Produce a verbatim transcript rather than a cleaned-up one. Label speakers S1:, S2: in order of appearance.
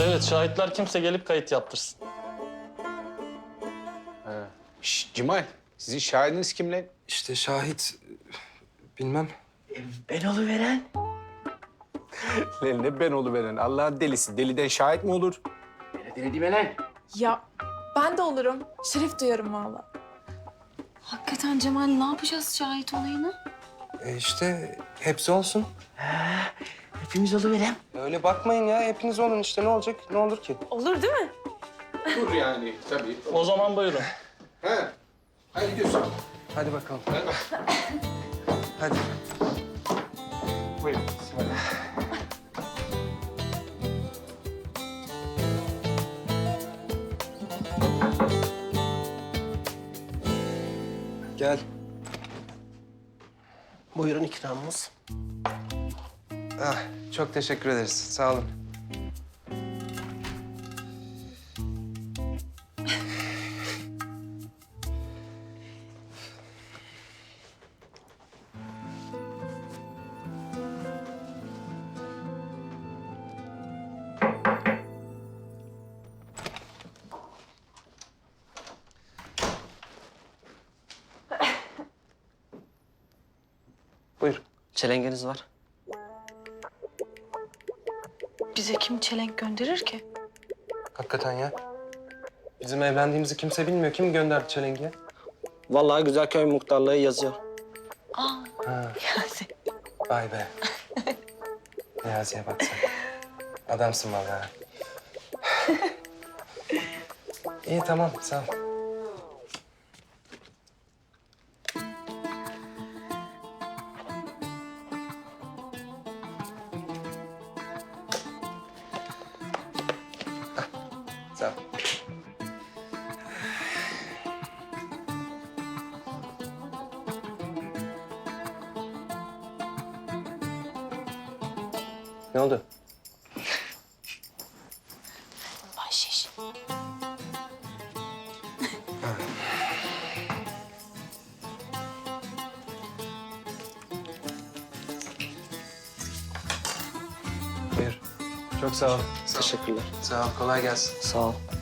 S1: Evet, şahitler kimse gelip kayıt yaptırsın.
S2: Şş, Cimal, sizin şahidiniz kim lan?
S3: İşte şahit... Bilmem.
S4: Ben oluveren.
S2: Lan ne ben oluveren, Allah'ın delisi. Deliden şahit mi olur?
S4: Beni dinlediğime lan.
S5: Ya ben de olurum. Şeref duyarım vallahi.
S6: Hakikaten Cemal ne yapacağız şahit olayını?
S3: E işte hepsi olsun.
S4: Hepimiz oluveren.
S3: Öyle bakmayın ya. Hepiniz olun işte. Ne olacak? Ne olur ki?
S5: Olur değil mi?
S2: Dur yani, tabii.
S1: O zaman buyurun.
S2: He. Hadi gidiyorsun.
S3: Hadi bakalım. Hadi.
S2: Buyurun.
S3: Gel.
S4: Buyurun ikramımız.
S3: Ah, çok teşekkür ederiz. Sağ olun. Buyur.
S4: Çelengeniz var.
S6: Bize kim çelenk gönderir ki?
S3: Hakikaten ya. Bizim evlendiğimizi kimse bilmiyor. Kim gönderdi çelengiye?
S4: Vallahi Güzelköy muhtarlığı yazıyor.
S6: Aa,
S3: Ha,
S6: Niyazi.
S3: vay be. Niyazi'ye bak sen. Adamsın vallahi. İyi tamam sağ ol. Ah, sağ ol. Ne oldu?
S6: Bahşiş.
S3: Buyur. Çok sağ ol.
S4: Teşekkürler.
S3: Sağ ol. Kolay gelsin.
S4: Sağ ol.